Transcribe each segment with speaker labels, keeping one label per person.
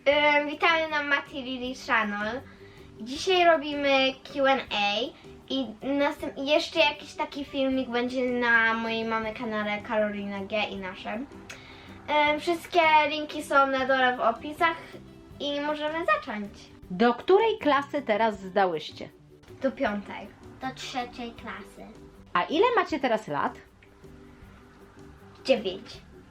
Speaker 1: Witamy na Mati Lily Channel. Dzisiaj robimy Q&A i jeszcze jakiś taki filmik będzie na mojej mamy kanale Karolina G i naszym. Wszystkie linki są na dole w opisach i możemy zacząć.
Speaker 2: Do której klasy teraz zdałyście?
Speaker 1: Do 5.
Speaker 3: Do 3. klasy.
Speaker 2: A ile macie teraz lat?
Speaker 1: 9.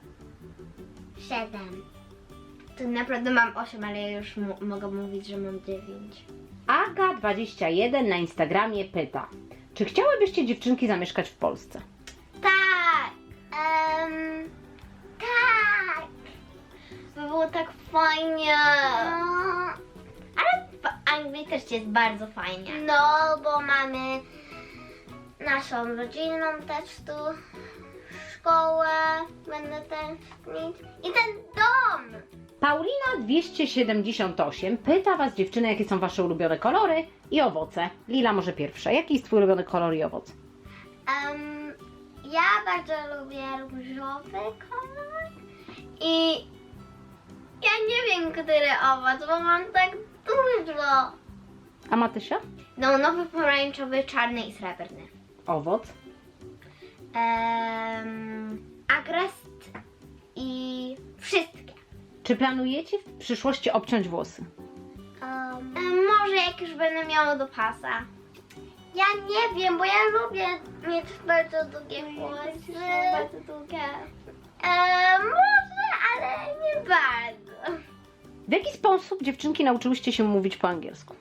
Speaker 3: 7.
Speaker 1: To naprawdę mam 8, ale ja już mogę mówić, że mam 9.
Speaker 2: Aga21 na Instagramie pyta, czy chciałybyście dziewczynki zamieszkać w Polsce?
Speaker 1: Tak!
Speaker 3: Tak.
Speaker 1: To było tak fajnie.
Speaker 3: No,
Speaker 1: Ale w Anglii też jest bardzo fajnie.
Speaker 3: no, bo mamy naszą rodzinną też tu, szkołę będę tęsknić i ten dom.
Speaker 2: Paulina 278 pyta was dziewczyny, jakie są wasze ulubione kolory i owoce. Lila może pierwsza. Jaki jest twój ulubiony kolor i owoc?
Speaker 3: Ja bardzo lubię różowy kolor i ja nie wiem, który owoc, bo mam tak dużo.
Speaker 2: A Matysia?
Speaker 1: No, nowy pomarańczowy, czarny i srebrny.
Speaker 2: Owoc.
Speaker 1: Agrest i wszystkie.
Speaker 2: Czy planujecie w przyszłości obciąć włosy?
Speaker 1: Może jak już będę miała do pasa.
Speaker 3: Ja nie wiem, bo ja lubię mieć bardzo długie włosy.
Speaker 1: Bardzo długie.
Speaker 3: Może, ale nie bardzo.
Speaker 2: W jaki sposób dziewczynki nauczyłyście się mówić po angielsku?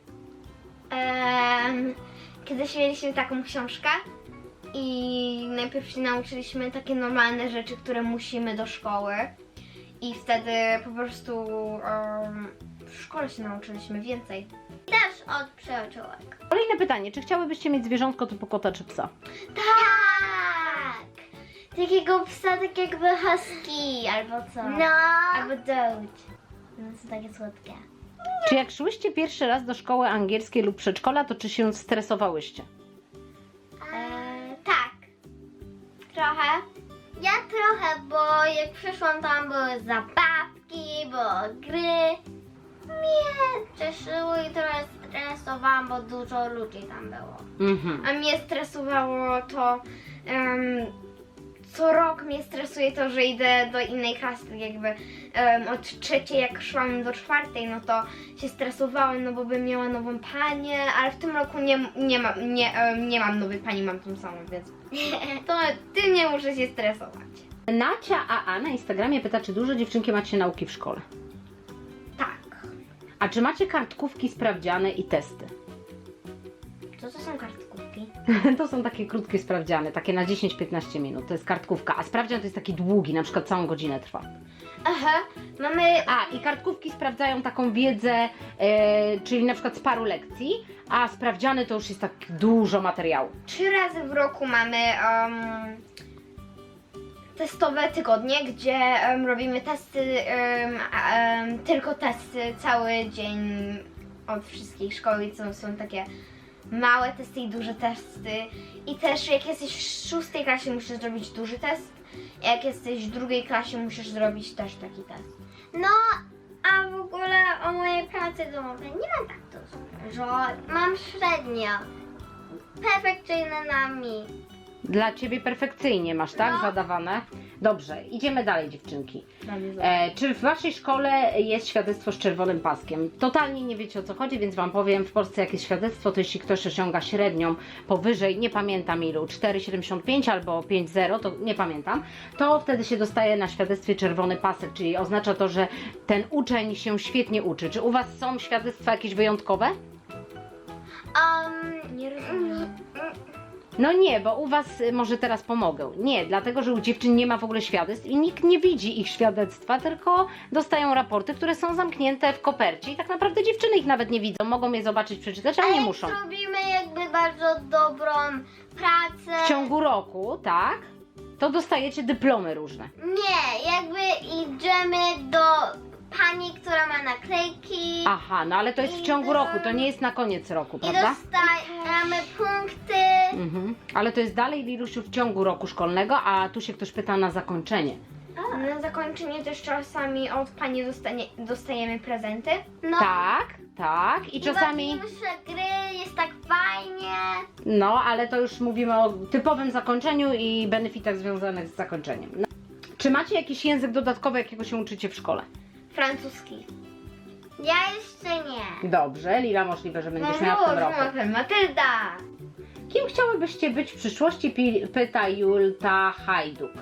Speaker 1: Kiedyś mieliśmy taką książkę i najpierw się nauczyliśmy takie normalne rzeczy, które musimy do szkoły. I wtedy po prostu w szkole się nauczyliśmy więcej.
Speaker 3: Też od przyjaciółek.
Speaker 2: Kolejne pytanie, czy chciałybyście mieć zwierzątko typu kota czy psa?
Speaker 3: Tak.
Speaker 1: Takiego psa, tak jakby husky albo co?
Speaker 3: No.
Speaker 1: Albo doge. No są takie słodkie.
Speaker 2: Czy jak szłyście pierwszy raz do szkoły angielskiej lub przedszkola, to czy się stresowałyście?
Speaker 1: Tak. Trochę.
Speaker 3: Ja trochę, bo jak przyszłam tam były zabawki, było gry. Mnie cieszyło i trochę stresowałam, bo dużo ludzi tam było.
Speaker 2: Mhm.
Speaker 1: A mnie stresowało to, co rok mnie stresuje to, że idę do innej klasy, tak jakby od 3 jak szłam do 4, no to się stresowałam, no bo bym miała nową panię, ale w tym roku nie mam nowej pani, mam tą samą, więc to tym nie muszę się stresować.
Speaker 2: Nacia AA na Instagramie pyta, czy dużo dziewczynki macie nauki w szkole?
Speaker 1: Tak.
Speaker 2: A czy macie kartkówki, sprawdziane i testy?
Speaker 1: Co to są kartkówki?
Speaker 2: To są takie krótkie sprawdziany, takie na 10-15 minut, to jest kartkówka, a sprawdzian to jest taki długi, na przykład całą godzinę trwa.
Speaker 1: Aha, mamy...
Speaker 2: A, i kartkówki sprawdzają taką wiedzę, czyli na przykład z paru lekcji, a sprawdziany to już jest tak dużo materiału.
Speaker 1: 3 razy w roku mamy testowe tygodnie, gdzie robimy testy, tylko testy cały dzień od wszystkich szkoły, i są takie małe testy i duże testy. I też jak jesteś w 6 klasie musisz zrobić duży test, jak jesteś w 2 klasie musisz zrobić też taki test.
Speaker 3: No, a w ogóle o mojej pracy domowej nie mam tak dużo. Mam średnio. Perfekcyjne na mi.
Speaker 2: Dla Ciebie perfekcyjnie masz, tak?
Speaker 3: No.
Speaker 2: Zadawane? Dobrze, idziemy dalej dziewczynki.
Speaker 1: Mamy
Speaker 2: Czy w Waszej szkole jest świadectwo z czerwonym paskiem? Totalnie nie wiecie o co chodzi, więc Wam powiem, w Polsce jak jest świadectwo, to jeśli ktoś osiąga średnią powyżej, nie pamiętam ilu, 4,75 albo 5,0, to nie pamiętam, to wtedy się dostaje na świadectwie czerwony pasek, czyli oznacza to, że ten uczeń się świetnie uczy. Czy u Was są świadectwa jakieś wyjątkowe?
Speaker 1: Nie rozumiem.
Speaker 2: No nie, bo u Was może teraz pomogę. Nie, dlatego, że u dziewczyn nie ma w ogóle świadectw i nikt nie widzi ich świadectwa, tylko dostają raporty, które są zamknięte w kopercie i tak naprawdę dziewczyny ich nawet nie widzą. Mogą je zobaczyć, przeczytać, ale nie
Speaker 3: jak
Speaker 2: muszą.
Speaker 3: zrobimy jakby bardzo dobrą pracę.
Speaker 2: W ciągu roku, tak, to dostajecie dyplomy różne.
Speaker 3: Nie, jakby idziemy do pani, która ma naklejki.
Speaker 2: Aha, no ale to jest w ciągu roku, to nie jest na koniec roku,
Speaker 3: I
Speaker 2: prawda?
Speaker 3: dostajemy punkty.
Speaker 2: Ale to jest dalej, Lilusiu, w ciągu roku szkolnego, a tu się ktoś pyta na zakończenie.
Speaker 1: Na zakończenie też czasami od pani dostajemy prezenty.
Speaker 3: No.
Speaker 2: Tak. I czasami...
Speaker 3: Bawimy się gry, jest tak fajnie.
Speaker 2: No, ale to już mówimy o typowym zakończeniu i benefitach związanych z zakończeniem. No. Czy macie jakiś język dodatkowy, jakiego się uczycie w szkole?
Speaker 1: Francuski.
Speaker 3: Ja jeszcze nie.
Speaker 2: Dobrze, Lila, możliwe, że będziesz miała w tym roku.
Speaker 1: Matylda.
Speaker 2: Kim chciałybyście być w przyszłości? Pyta Julta Hajduk.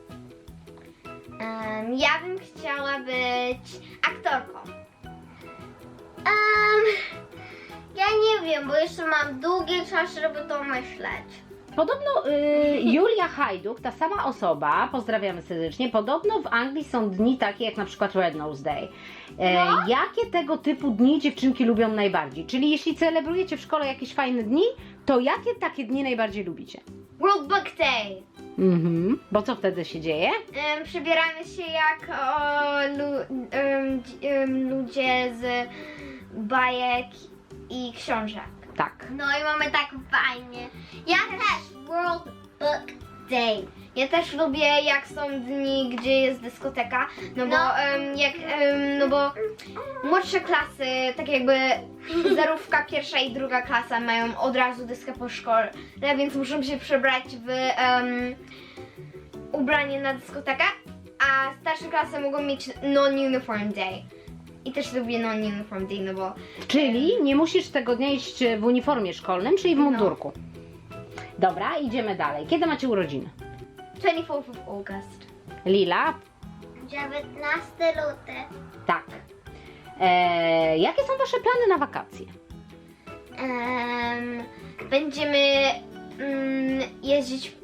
Speaker 1: Ja bym chciała być aktorką.
Speaker 3: Ja nie wiem, bo jeszcze mam długi czas, żeby to myśleć.
Speaker 2: Podobno Julia Hajduk, ta sama osoba, pozdrawiamy serdecznie, podobno w Anglii są dni takie jak na przykład Red Nose Day. Jakie tego typu dni dziewczynki lubią najbardziej? Czyli jeśli celebrujecie w szkole jakieś fajne dni, to jakie takie dni najbardziej lubicie?
Speaker 1: World Book Day.
Speaker 2: Bo co wtedy się dzieje?
Speaker 1: Przebieramy się jak ludzie z bajek i książek.
Speaker 2: Tak.
Speaker 3: No i mamy tak fajnie. Ja też World Book Day.
Speaker 1: Ja też lubię jak są dni, gdzie jest dyskoteka, no bo no bo młodsze klasy, tak jakby zerówka, pierwsza i druga klasa mają od razu dyskę po szkole, więc muszą się przebrać w ubranie na dyskotekę, a starsze klasy mogą mieć non-uniform day. I też lubię non-uniform day, no bo
Speaker 2: Czyli nie musisz tego dnia iść w uniformie szkolnym, czyli w mundurku. Dobra, idziemy dalej. Kiedy macie urodziny?
Speaker 1: 24th of August.
Speaker 2: Lila?
Speaker 3: 19 luty.
Speaker 2: Tak. Jakie są wasze plany na wakacje?
Speaker 1: Będziemy jeździć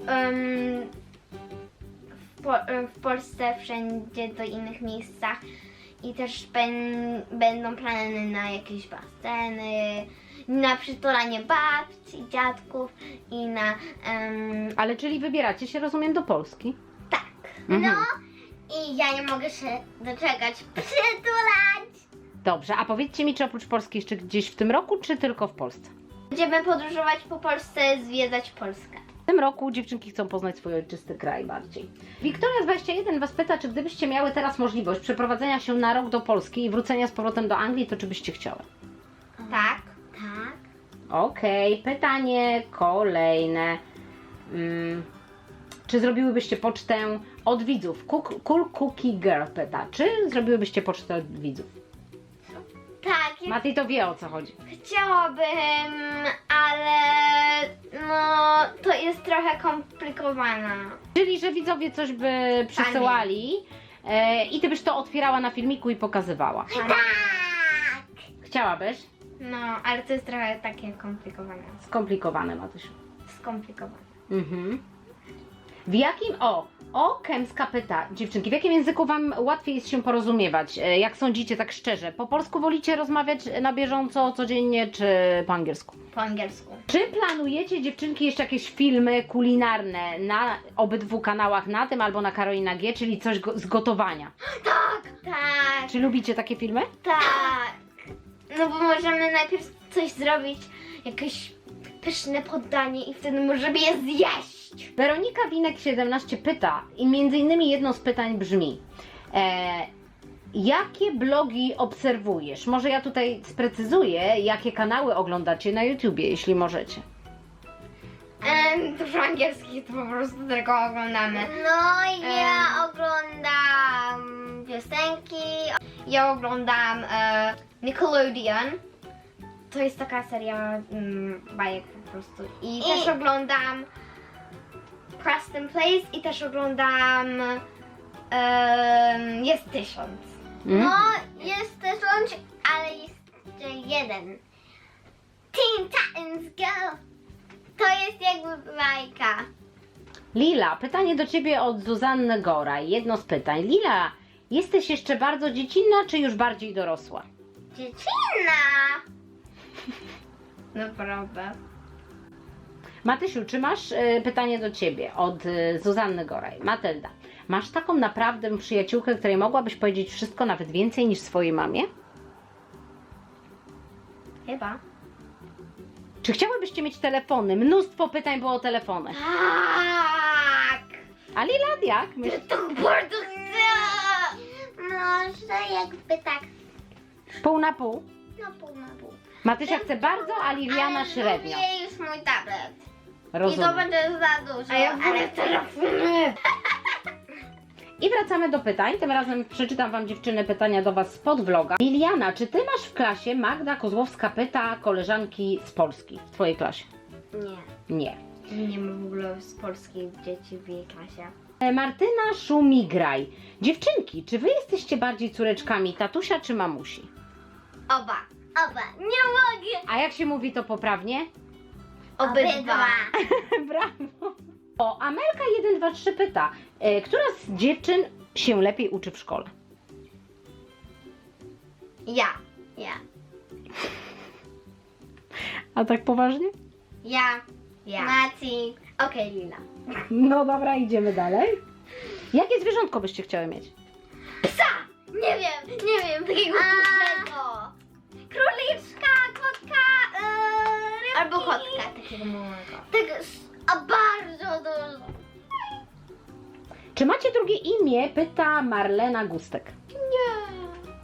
Speaker 1: w Polsce wszędzie do innych miejscach i też będą plany na jakieś baseny, na przytulanie babci, dziadków i na
Speaker 2: Ale czyli wybieracie się, rozumiem, do Polski?
Speaker 1: tak.
Speaker 3: No i ja nie mogę się doczekać przytulać.
Speaker 2: Dobrze, a powiedzcie mi, czy oprócz Polski jeszcze gdzieś w tym roku, czy tylko w Polsce?
Speaker 1: Będziemy podróżować po Polsce, zwiedzać Polskę.
Speaker 2: W tym roku dziewczynki chcą poznać swój ojczysty kraj bardziej. Wiktoria21 was pyta, czy gdybyście miały teraz możliwość przeprowadzenia się na rok do Polski i wrócenia z powrotem do Anglii, to czy byście chciały?
Speaker 1: Tak.
Speaker 3: Tak.
Speaker 2: Okej, pytanie kolejne. Czy zrobiłybyście pocztę od widzów? Cool Cookie Girl pyta, czy zrobiłybyście pocztę od widzów?
Speaker 1: Tak,
Speaker 2: Mati to wie, o co chodzi.
Speaker 1: chciałabym, ale no to jest trochę komplikowane.
Speaker 2: Czyli, że widzowie coś by przesyłali i ty byś to otwierała na filmiku i pokazywała.
Speaker 3: Tak.
Speaker 2: Chciałabyś?
Speaker 1: No, ale to jest trochę takie komplikowane.
Speaker 2: Skomplikowane, Matysiu.
Speaker 1: Skomplikowane.
Speaker 2: W jakim, Kemska pyta, dziewczynki, w jakim języku wam łatwiej jest się porozumiewać? Jak sądzicie, tak szczerze? Po polsku wolicie rozmawiać na bieżąco, codziennie, czy po angielsku?
Speaker 1: Po angielsku.
Speaker 2: Czy planujecie, dziewczynki, jeszcze jakieś filmy kulinarne na obydwu kanałach, na tym albo na Karolina G, czyli coś z gotowania?
Speaker 1: Tak,
Speaker 2: Czy lubicie takie filmy?
Speaker 1: tak. No bo możemy najpierw coś zrobić, jakieś pyszne poddanie i wtedy możemy je zjeść.
Speaker 2: Weronika Winek 17 pyta i między innymi jedno z pytań brzmi jakie blogi obserwujesz? Może ja tutaj sprecyzuję, jakie kanały oglądacie na YouTubie, jeśli możecie.
Speaker 1: Dużo angielskich to po prostu tylko oglądamy.
Speaker 3: No ja oglądam piosenki.
Speaker 1: Ja oglądam Nickelodeon. To jest taka seria bajek po prostu. I też oglądam Preston Plays i też oglądam Jest 1000.
Speaker 3: No jest też łącz, ale jest jeszcze jeden. Teen Titans Go! To jest jakby bajka.
Speaker 2: Lila, pytanie do Ciebie od Zuzanny Goraj. Jedno z pytań. Lila, jesteś jeszcze bardzo dziecinna, czy już bardziej dorosła?
Speaker 3: Dziewczyna!
Speaker 1: Naprawdę.
Speaker 2: Matysiu, czy masz pytanie do Ciebie od Zuzanny Goraj? Matylda, masz taką naprawdę przyjaciółkę, której mogłabyś powiedzieć wszystko, nawet więcej niż swojej mamie?
Speaker 1: Chyba.
Speaker 2: Czy chciałybyście mieć telefony? Mnóstwo pytań było o telefony.
Speaker 1: Tak!
Speaker 2: A Lila, jak?
Speaker 1: To bardzo chcę!
Speaker 3: Może jakby tak,
Speaker 2: Pół na pół?
Speaker 3: no pół na pół.
Speaker 2: Matysia chce bardzo, a Liliana
Speaker 3: Ale
Speaker 2: średnio.
Speaker 3: lubię już mój tablet. I to
Speaker 2: Rozumiem.
Speaker 3: będzie za dużo,
Speaker 1: A ja
Speaker 3: ale
Speaker 1: wolę telefony.
Speaker 2: I wracamy do pytań. Tym razem przeczytam wam, dziewczyny, pytania do was spod vloga. Liliana, czy ty masz w klasie, Magda Kozłowska pyta, koleżanki z Polski w twojej klasie?
Speaker 3: nie.
Speaker 2: Nie.
Speaker 1: Nie ma w ogóle z polskich dzieci w jej klasie.
Speaker 2: Martyna Szumigraj. Dziewczynki, czy wy jesteście bardziej córeczkami tatusia czy mamusi?
Speaker 3: Oba. Nie mogę.
Speaker 2: A jak się mówi to poprawnie?
Speaker 1: Obydwa.
Speaker 2: Brawo. O, Amelka 123 pyta, która z dziewczyn się lepiej uczy w szkole?
Speaker 1: Ja.
Speaker 2: A tak poważnie?
Speaker 3: Ja.
Speaker 1: Ja.
Speaker 3: Maci.
Speaker 1: Okej, Lila.
Speaker 2: No dobra, idziemy dalej. Jakie zwierzątko byście chciały mieć?
Speaker 1: Psa! Nie wiem, takiego dużego.
Speaker 3: Króliczka, kotka, rybki.
Speaker 1: Albo kotka takiego małego.
Speaker 3: A bardzo dużo.
Speaker 2: Czy macie drugie imię? Pyta Marlena Gustek.
Speaker 1: Nie.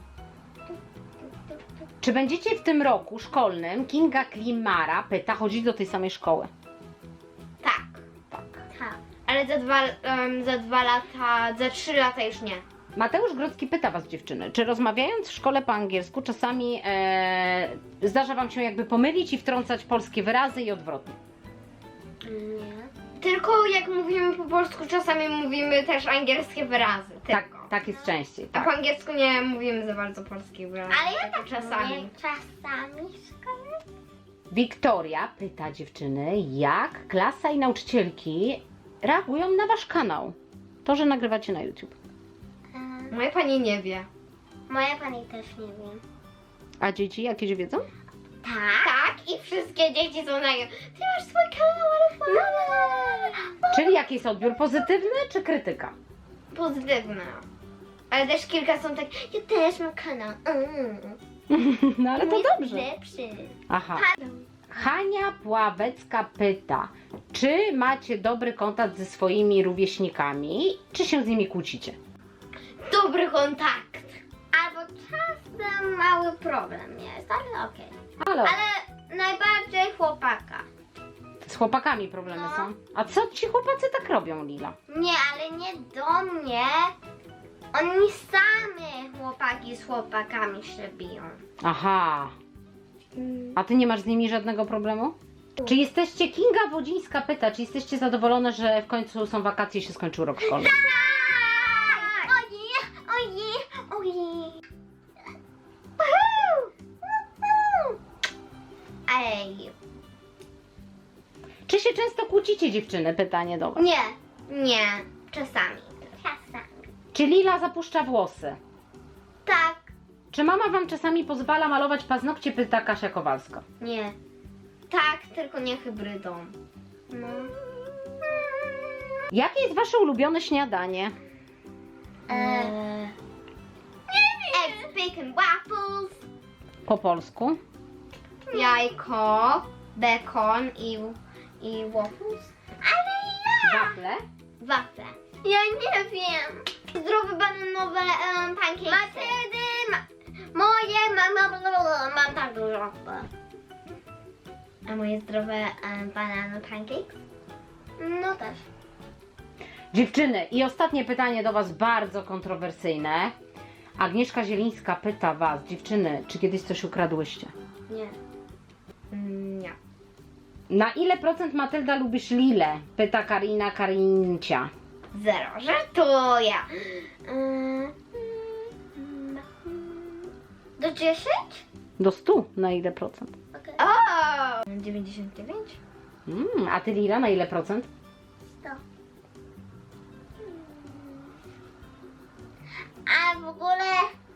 Speaker 2: Czy będziecie w tym roku szkolnym, Kinga Klimara pyta, chodzić do tej samej szkoły?
Speaker 1: Tak.
Speaker 3: Tak.
Speaker 1: Ale za 2 lata, za 3 lata już nie.
Speaker 2: Mateusz Grodzki pyta was, dziewczyny, czy rozmawiając w szkole po angielsku czasami zdarza wam się jakby pomylić i wtrącać polskie wyrazy i odwrotnie?
Speaker 3: Nie.
Speaker 1: Tylko jak mówimy po polsku, czasami mówimy też angielskie wyrazy. Tylko.
Speaker 2: Tak jest częściej.
Speaker 1: A
Speaker 2: Tak.
Speaker 1: po angielsku nie mówimy za bardzo polskich wyrazów.
Speaker 3: Ale ja
Speaker 1: tylko
Speaker 3: tak
Speaker 1: czasami.
Speaker 3: mówię. Czasami w szkole.
Speaker 2: Wiktoria pyta, dziewczyny, jak klasa i nauczycielki reagują na wasz kanał? To, że nagrywacie na YouTube.
Speaker 1: Moja pani nie wie.
Speaker 3: Moja pani też nie wie.
Speaker 2: A dzieci jakieś wiedzą?
Speaker 3: Tak?
Speaker 1: Tak, i wszystkie dzieci są na Ty masz swój kanał, ale fajny.
Speaker 2: Czyli jaki jest odbiór? Pozytywny czy krytyka?
Speaker 1: Pozytywne. Ale też kilka są tak, ja też mam kanał.
Speaker 2: No ale to
Speaker 3: Mój
Speaker 2: dobrze.
Speaker 3: Lepszy.
Speaker 2: Aha. Hania Pławecka pyta, czy macie dobry kontakt ze swoimi rówieśnikami, czy się z nimi kłócicie?
Speaker 1: Dobry kontakt.
Speaker 3: Albo czasem mały problem jest, ale okej.
Speaker 2: Ale
Speaker 3: Ale najbardziej chłopaka.
Speaker 2: z chłopakami problemy
Speaker 3: No.
Speaker 2: są. A co ci chłopacy tak robią, Lila?
Speaker 3: Nie, ale nie do mnie. Oni sami chłopaki z chłopakami się biją.
Speaker 2: Aha. A ty nie masz z nimi żadnego problemu? Czy jesteście, Kinga Wodzińska pyta, czy jesteście zadowolone, że w końcu są wakacje i się skończył rok szkolny?
Speaker 3: Tak! Ojej. Ej.
Speaker 2: Czy się często kłócicie, dziewczyny? Pytanie do was.
Speaker 3: Nie, czasami.
Speaker 2: Czy Lila zapuszcza włosy?
Speaker 3: Tak.
Speaker 2: Czy mama wam czasami pozwala malować paznokcie? Pyta Kasia Kowalska.
Speaker 3: Nie.
Speaker 1: Tak, tylko nie hybrydą.
Speaker 3: No.
Speaker 2: Jakie jest wasze ulubione śniadanie?
Speaker 3: Eggs, bacon, waffles.
Speaker 2: Po polsku?
Speaker 1: Jajko, bekon i waffles.
Speaker 3: Ale ja.
Speaker 2: Wafle?
Speaker 1: Wafle.
Speaker 3: Ja nie wiem.
Speaker 1: Zdrowe bananowe pancakes.
Speaker 3: Matyldy, mam tak dużo.
Speaker 1: A moje zdrowe banana pancakes?
Speaker 3: No też.
Speaker 2: Dziewczyny, i ostatnie pytanie do was, bardzo kontrowersyjne. Agnieszka Zielińska pyta was, dziewczyny, czy kiedyś coś ukradłyście?
Speaker 3: Nie.
Speaker 1: Nie.
Speaker 2: Na ile procent, Matylda, lubisz Lilę? Pyta Karina Karincia.
Speaker 1: 0. Żartuję.
Speaker 3: Do 10?
Speaker 2: Do 100 na ile procent?
Speaker 3: Okej.
Speaker 1: O! 99?
Speaker 2: A ty, Lila, na ile procent?
Speaker 3: 100. A w ogóle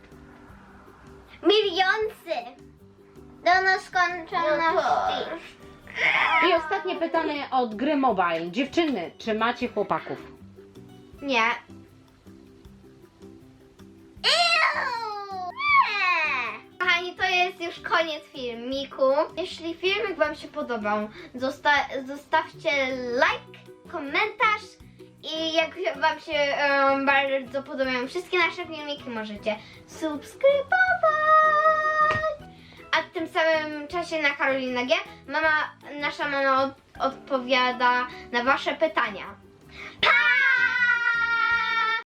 Speaker 3: milionsy do nieskończoności.
Speaker 2: I ostatnie pytanie od Gry Mobile. Dziewczyny, czy macie chłopaków?
Speaker 1: Nie. Kochani, to jest już koniec filmiku. Jeśli filmik wam się podobał, zostawcie like, komentarz i i jak Wam się bardzo podobają wszystkie nasze filmiki, możecie subskrybować. A w tym samym czasie na Karolina G nasza mama odpowiada na Wasze pytania. Pa!